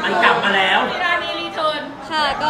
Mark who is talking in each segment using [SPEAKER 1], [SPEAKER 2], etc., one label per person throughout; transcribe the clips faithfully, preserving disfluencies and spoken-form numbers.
[SPEAKER 1] มันกลับมาแล้ว
[SPEAKER 2] กีฬานีรีเทิร์น
[SPEAKER 3] ค่ะก็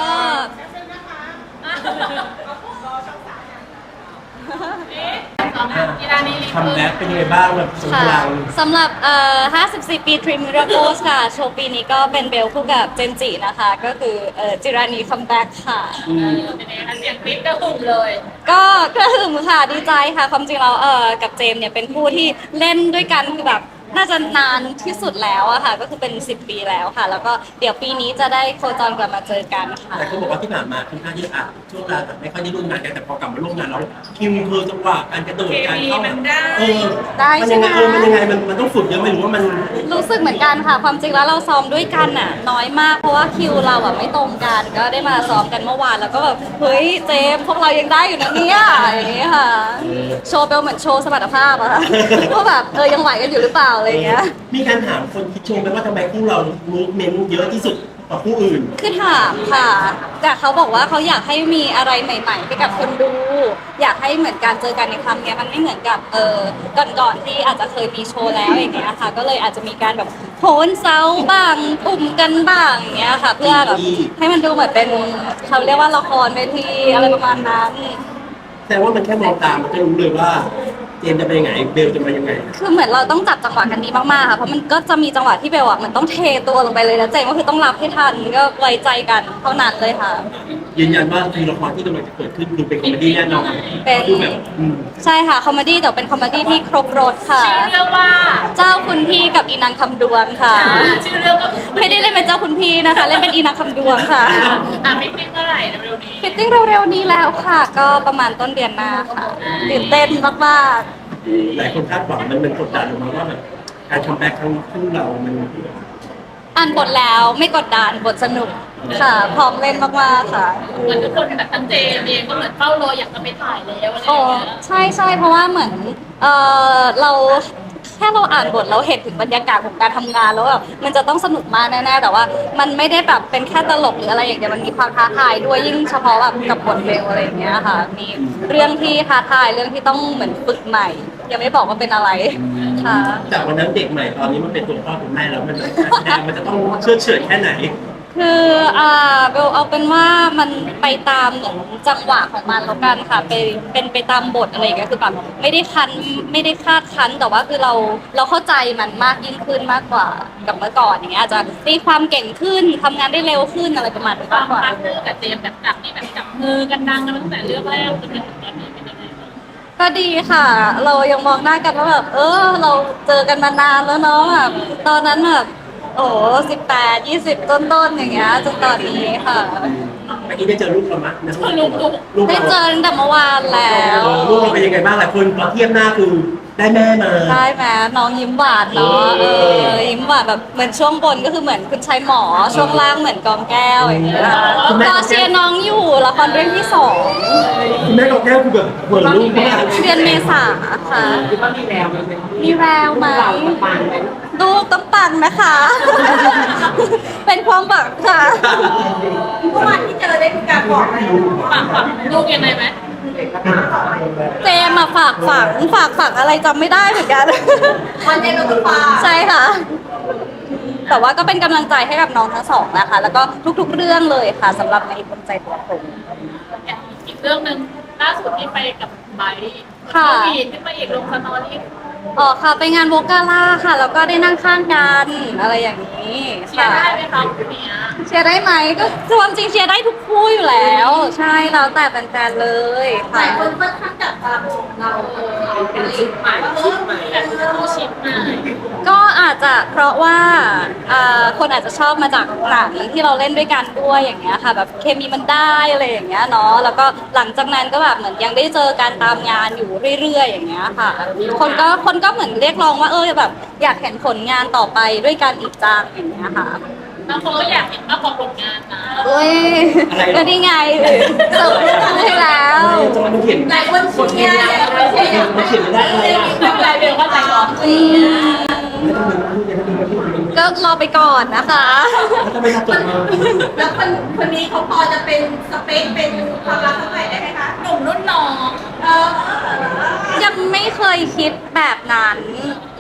[SPEAKER 2] กีฬานีรี
[SPEAKER 1] ทำ
[SPEAKER 2] เทิ
[SPEAKER 1] แบ็
[SPEAKER 2] ร์
[SPEAKER 1] คน เป็นยังไงบ้างแบบสง
[SPEAKER 3] ค่ะ
[SPEAKER 1] กรานต์
[SPEAKER 3] สำหรับเอ่อห้าสิบสี่ ปี Dream Miracles ค่ะ โชว์ปีนี้ก็เป็นเบลคู่กับเจนจินะคะ ก็คือเอ่อจิรานีคัมแบ็กค่ะ
[SPEAKER 1] อืม
[SPEAKER 2] เป็นยังไงคะเสียงปิ๊กกระหึ่มเลย
[SPEAKER 3] ก็กระหึ่มค่ะดีใจค่ะ ความจริงเราเอ่อกับเจมส์เนี่ยเป็นคู่ที่เล่นด้วยกันคือแบบน่าจะนานที่สุดแล้วอะค่ะ ก็คือเป็นสิบปีแล้วค่ะ แล้วก็เดี๋ยวปีนี้จะได้โคจรกลับมาเจอกันค่ะ
[SPEAKER 1] แต่เขาบอกว่าที่ผ่านมาค่อนข้างที่อ่ะช่วงเวลาแบบไม่ค่อยได้ร่วมงานกันแต่พอกลับมาร่วมงานแล้วคิวเธอจังหวะการกระโดดการเข้าแบบเออ
[SPEAKER 3] ได้
[SPEAKER 1] มัน
[SPEAKER 3] ใช่
[SPEAKER 1] ยัง
[SPEAKER 3] ไห
[SPEAKER 1] ไง
[SPEAKER 3] ม
[SPEAKER 1] เออมันยังไงมันมันต้องฝึกเยอะไหมหรือว่ามัน
[SPEAKER 3] รู้สึกเหมือนกันค่ะ ความจริงแล้วเราซ้อมด้วยกันน่ะน้อยมากเพราะว่าคิวเราอ่ะไม่ตรงกัน ก็ได้มาซ้อมกันเมื่อวานแล้วก็แบบเฮ้ยเจมส์พวกเรายังได้อยู่นะเนี่ยอย่างนี้ค่ะ โชว์เบลเหมือนโชว์สมรรถภาพอะค่ะ ว่าแบบเออยังไหวกันอยู่หรือเปล่าอะไรอย่างเงี้ย
[SPEAKER 1] มีการถามคนคิดชมไหมว่าทำไมคู่เรามูฟเมนต์เยอะที่สุดกว่าคู่อื่น
[SPEAKER 3] คือถามค่ะ แต่เขาบอกว่าเขาอยากให้มีอะไรใหม่ๆให้กับคนดู อยากให้เหมือนการเจอกันในครั้งเนี้ยมันไม่เหมือนกับเออก่อนๆที่อาจจะเคยมีโชว์แล้วอย่างเงี้ยค่ะ ก็เลยอาจจะมีการแบบโหนเซาบ้างปุ่มกันบ้างอย่างเงี้ยค่ะ เพื่อแบบให้มันดูเหมือนเป็นเขาเรียกว่าละครเวทีอะไรประมาณนั้น
[SPEAKER 1] แต่ว่ามันแค่มองตามมันก็รู้เลยว่าเจมส์จะเป็นยังไงเบลจะมายังไง
[SPEAKER 3] คือเหมือนเราต้องจับจังหวะกันดีมากๆค่ะ เพราะมันก็จะมีจังหวะที่เบลอ่ะมันต้องเทตัวลงไปเลยนะเจมก็คือต้องรับให้ทันก็ไว้ใจกันเท่านั้นเลยค่ะ
[SPEAKER 1] ยืนยันว่าทีละครที่กำลังจะเกิดขึ้นดูเป็นคอมเมดี้แน่นอน
[SPEAKER 3] เป็น
[SPEAKER 1] ดูแบบอืม
[SPEAKER 3] ใช่ค่ะคอมเมดี้แต่เป็นคอมเมดี้ที่ครบรถค่ะ
[SPEAKER 2] ชื่อเรื่องว่า
[SPEAKER 3] เจ้าคุณพี่กับอีนางคำดวงค่ะ
[SPEAKER 2] ชื่อเรื่องก็คือ
[SPEAKER 3] ไม่ได้เล่นเป็นเจ้าคุณพี่นะคะ เล่นเป็นอีนางคำดวงค่ะ
[SPEAKER 2] อ่ะไม่ติ้งเมื่อไหร่เร็วๆนี้
[SPEAKER 3] ฟิตติ้งเร็วๆนี้แล้วค่ะ ก็ประมาณต้นเดือนหน้าค่ะตื่นเต้นมาก
[SPEAKER 1] หลายคนคาดหวังมันมันกดดันออกมาว่าแบบการคัมแบ็กครั้งคู่เรา มัน
[SPEAKER 3] ๆอ่านบทแล้วไม่กดดันบทสนุกค่ะ พร้อมเล่นมากๆค่ะ
[SPEAKER 2] เหมือนทุกคนแบบทั้งเจมส์เองก็เหมือนเฝ้ารออยากจะไปถ่ายแล้วอะไรอ
[SPEAKER 3] โอ้
[SPEAKER 2] ย่างเงี้ย
[SPEAKER 3] ใช่ใช่เพราะว่าเหมือนเออเราแค่เราอ่านบทเราเห็นถึงบรรยากาศของการทำงานแล้วแบบมันจะต้องสนุกมากแน่ๆแต่ว่ามันไม่ได้แบบเป็นแค่ตลกหรืออะไรอย่างเดียวมันมีความท้าทายด้วยยิ่งเฉพาะแบบกับบทเบลอะไรอย่างเงี้ยค่ะมีเรื่องที่ท้าทายเรื่องที่ต้องเหมือนฝึกใหม่ ยังไม่บอกว่าเป็นอะไรค่ะ
[SPEAKER 1] จากวันนั้นเด็กใหม่ตอนนี้มันเป็นตัวพ่อตัวแม่แล้วมันการแสดงมันจะต้องเชื่อเฉื่อยแค่ไหน
[SPEAKER 3] คืออ่าเบลเอาเป็นว่ามันไปตามเหมือนจังหวะของมันแล้วกันค่ะไปเป็นไปตามบทอะไรอย่างเงี้ยคือแบบไม่ได้คันไม่ได้คาดคันแต่ว่าคือเราเราเข้าใจมันมากยิ่งขึ้นมากกว่ากับเมื่อก่อนอย่างเงี้ยอาจจะตีความเก่งขึ้นทำงานได้เร็วขึ้นอะไรประมาณนี้มากกว่า
[SPEAKER 2] พาร์ทเนอร์กับเจมส์แบบจากที่แบบจับมือกันดังกันตั้งแต่เรื่องแรกจนถึงตอนนี้เป็นยังไงบ้าง
[SPEAKER 3] ก็ดีค่ะ เรายังมองหน้ากันว่าแบบเออเราเจอกันมานานแล้วเนาะแบบตอนนั้นแบบโอ้สิบแปดยี่สิบต้นๆอย่างเงี้ยจนตอนนี้ค่ะ
[SPEAKER 1] เมื่อกี้ได้เจอลูกเราไหมนะ
[SPEAKER 2] ลูกลูก
[SPEAKER 1] ลูก
[SPEAKER 3] ได้
[SPEAKER 1] เรา
[SPEAKER 3] เจอตั้งแต่เมื่อวานแล้ว
[SPEAKER 1] เออลูกเราเป็นยังไงบ้างหลายคนพอเทียบหน้าคือได้แม่มา
[SPEAKER 3] ได้ไหมน้องยิ้มหวานเนาะเออยิ้มหวานแบบเหมือนช่วงบนก็คือเหมือนคุณชายหมอช่วงล่างเหมือนกองแก้วอย่างเงี้ยรอเชียร์น้องอยู่ละครเรื่องที่สอง
[SPEAKER 1] คุณแม่กับแก้วคือแบบเหมือนลูกมาก
[SPEAKER 3] เดือนเมษาค่ะ
[SPEAKER 4] คิดว่ามีแววไหม
[SPEAKER 3] มีแววไหม
[SPEAKER 4] เราจะปังไหม
[SPEAKER 3] ลูกต้องปังนะคะ เป็นความหวังค่ะ
[SPEAKER 2] เมื่อวานที่เจอได้มีการบอกไหมฝากฝังลูกยังไงไหม
[SPEAKER 3] เจมมาฝากฝังฝากฝังอะไรจำไม่ได้เหมือนกัน
[SPEAKER 2] วันเจมเราต้องฝาก
[SPEAKER 3] ใช่ค่ะ แต่ว่าก็เป็นกำลังใจให้กับน้องทั้งสองนะคะ แล้วก็ทุกๆเรื่องเลยค่ะสำหรับในคนใจตัวผม
[SPEAKER 2] อีกเรื่องหนึ่งล่าสุดที่ไปกับไบร์ท
[SPEAKER 3] ค่ะ
[SPEAKER 2] เขาวีดขึ้นมาอีกลงสตอรี่
[SPEAKER 3] อ๋อค่ะไปงานโวกาล่าค่ะ แล้วก็ได้นั่งข้างกันอะไรอย่างนี้
[SPEAKER 2] เชีย
[SPEAKER 3] ค่ะ
[SPEAKER 2] ร์ได้ไหมคะคุณเนี้ย
[SPEAKER 3] เชียร์ได้ไหมก็ความจริงเชียร์ได้ทุกคู่อยู่แล้ว ใช่แล้วแต่แฟนๆเลย
[SPEAKER 2] ห
[SPEAKER 3] ค่ะ
[SPEAKER 2] ลายคนค่อนข้างจับตามองเราเออเราเป็นชิปใหม่ชิปใหม่แบบคู่ชิปใหม่
[SPEAKER 3] ก็อาจจะเพราะว่าอ่าคนอาจจะชอบมาจากหนังที่เราเล่นด้วยกันด้วยอย่างเงี้ยค่ะ แบบเคมีมันได้อะไรอย่างเงี้ยเนาะแล้วก็หลังจากนั้นก็แบบเหมือนยังได้เจอการตามงานอยู่เรื่อยๆอย่างเงี้ยค่ะ คนก็คนก็เหมือนเรียกร้องว่าเออแบบอยากเห็นผลงานต่อไปด้วยกันอีกจังอย่างเงี้ยค่ะ
[SPEAKER 2] บางคนก็อยากเห็นมากกว่าผลงานนะ
[SPEAKER 3] เอ้ยก็นี่ไงเสิร์ฟเรื่องให้แล้ว
[SPEAKER 1] จะมาเขียน
[SPEAKER 2] หลายคนเชียร์อยากเชียร์อยาก
[SPEAKER 1] มาเขียนไม่ได้อะไรอ่ะ
[SPEAKER 2] ไม่เป็นไรเบลเข้าใจก่อน
[SPEAKER 3] อืม
[SPEAKER 1] ไม่ต้องเป็นลูกยังไม่ต้องเป็นลูก
[SPEAKER 3] ก็รอไปก่อนนะคะ
[SPEAKER 1] แล้วทำไมถ้าจบมา
[SPEAKER 5] แล้วคนคนนี้เขาพอจะเป็นสเปคเป็นความรักสักหน่อยได้ไหมคะ
[SPEAKER 2] หนุ่มรุ่นน้อง
[SPEAKER 5] เออ
[SPEAKER 3] ยังไม่เคยคิดแบบนั้น อื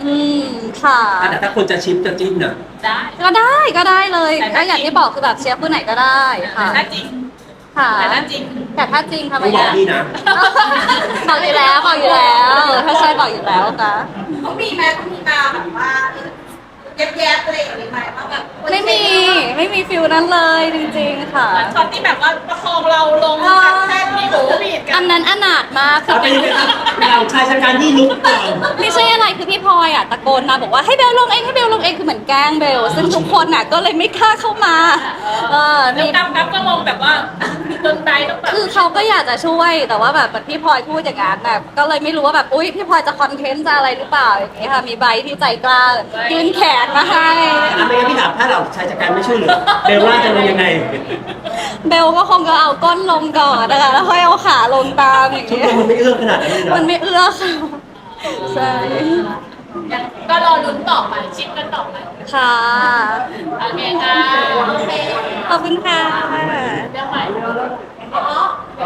[SPEAKER 3] อืมค่ะ
[SPEAKER 1] อ่ะแต่ถ้าคนจะชิปจะจิ้นอ่ะ
[SPEAKER 2] ได้
[SPEAKER 3] ก็ได้ก็ได้เลย
[SPEAKER 2] แต่
[SPEAKER 3] ก็
[SPEAKER 2] ถ้า
[SPEAKER 3] อย่าง
[SPEAKER 2] จริง
[SPEAKER 3] ที่บอกคือแบบเชียร์ผู้ไหนก็ได้ค่ะ
[SPEAKER 2] ถ้าจริง
[SPEAKER 3] ค่ะ
[SPEAKER 2] แต่ถ้าจริง
[SPEAKER 3] แต่ถ้าจริงทำไม
[SPEAKER 1] ต้องบอก
[SPEAKER 3] อะ
[SPEAKER 1] พี่นะ
[SPEAKER 3] บอกอยู่แล้วบอกอยู่แล้ว ถ้าใช่บอกอยู่แล้วค่ะ
[SPEAKER 5] เขามีไหมเขามีมาแบบว่าแยบๆอะไรอย่างนี้ไหมว่าแบบ
[SPEAKER 3] ไม่มีไม่มีฟิลนั้นเลยจริงๆค่ะ
[SPEAKER 2] เหมือนช็อตที่แบบว่าประคองเราลงจากแท่นที่โหบีดกั
[SPEAKER 3] อั
[SPEAKER 2] น
[SPEAKER 3] นนั้นอนาถมากคือ
[SPEAKER 1] เอาเป็นยังไงครับเราชายชะกันที่ลุกก่อน
[SPEAKER 3] ไม่ใช่อะไรคือพี่พลอยอ่ะตะโกนมาบอกว่าให้เบลลงเองให้เบลลงเองคือเหมือนแกล้งเบลซึ่งทุกคนอ่ะก็เลยไม่กล้าเข้ามาเออ
[SPEAKER 2] แล้ว
[SPEAKER 3] มี
[SPEAKER 2] กั๊บกั๊บก็ลงแบบว่าจนไบร์ทต้องแบบ
[SPEAKER 3] คือเขาก็อยากจะช่วยแต่ว่าแบบพี่พลอยพูดอย่างนั้นแบบก็เลยไม่รู้ว่าแบบอุ้ยพี่พลอยจะคอนเทนต์จะอะไรหรือเปล่าอย่างนี้ค่ะมีใบที่ใจกล้ายื่นแขนมาให้
[SPEAKER 1] อ่ะไม่งั้นพี่ถามถ้าเราชายชะกันไม่ช่วยเหลือเบลว่าจะลงยังไง
[SPEAKER 3] เบลก็คงจะเอาก้นลงก่อนนะคะแล้วค่อยเอาขาลงตามอย่าง
[SPEAKER 1] ชุด
[SPEAKER 3] นี้
[SPEAKER 1] มันไม่เอื้อขนาดนั้นเลย
[SPEAKER 3] มัน
[SPEAKER 1] นะ
[SPEAKER 3] ไม่เอื้อค่ะใช่
[SPEAKER 2] ก็รอลุ้นต่อไปชิปกันต่อไป
[SPEAKER 3] ค่ะ
[SPEAKER 2] โอเคค่ะ
[SPEAKER 3] ขอบคุณค่ะ
[SPEAKER 2] เรื่องใหม่
[SPEAKER 5] อ๋อ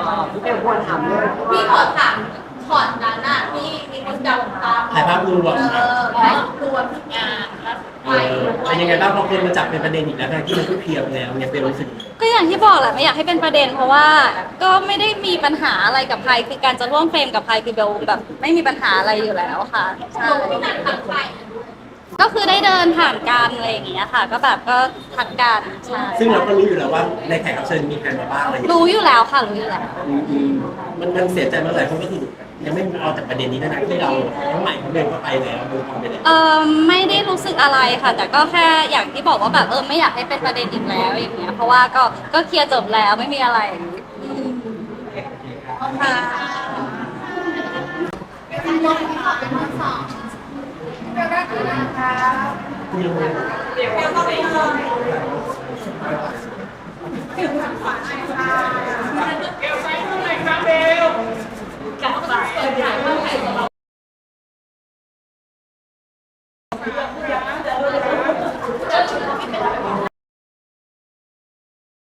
[SPEAKER 5] พี่ขอถามช็อตนั้นน่ะที่มีคนจับตาม
[SPEAKER 1] ถ่ายภาพรวม
[SPEAKER 5] เออถ่ายรวม
[SPEAKER 2] งานแล้ว
[SPEAKER 1] เออเป็นยังไงบ้างพอคนมาจับเป็นประเด็นอีกแล้วทั้งที่มันก็เคลียร์ไปแล้วเนี่ยเบลรู้สึก
[SPEAKER 3] ก็อย่างที่บอกแหละไม่อยากให้เป็นประเด็นเพราะว่าก็ไม่ได้มีปัญหาอะไรกับใครคือการจะร่วมเฟรมกับใครคือเบลแบบไม่มีปัญหาอะไรอยู่แล้วค่ะใช่
[SPEAKER 5] ที่นั่นทางไป
[SPEAKER 3] ก็คือได้เดินผ่านกันอะไรอย่างเงี้ยค่ะ ก็แบบก็ทักกันใช่
[SPEAKER 1] ซึ่งเราก็รู้อยู่แล้วว่าในแขกรับเชิญมีใครมาบ้างอะไรอย่างเงี้ย
[SPEAKER 3] รู้อยู่แล้วค่ะรู้อยู่แล้ว
[SPEAKER 1] อืมอืมมันมันเสียใจเมื่อไหร่เพราะก็คือยังไม่เอาจากประเด็นนี้นะที่เราทั้งใหม่ทั้งเบลก็ไปแล้วเบลทำไปแล้ว
[SPEAKER 3] เออไม่ได้รู้สึกอะไรค่ะ แต่ก็แค่อย่างที่บอกว่าแบบเออไม่อยากให้เป็นประเด็นอีกแล้วอย่างเงี้ยเพราะว่าก็ก็เคลียร์จบแล้วไม่มีอะไรอืมค่ะ
[SPEAKER 1] ยังไง
[SPEAKER 5] เดี๋ยวก็ไปเลย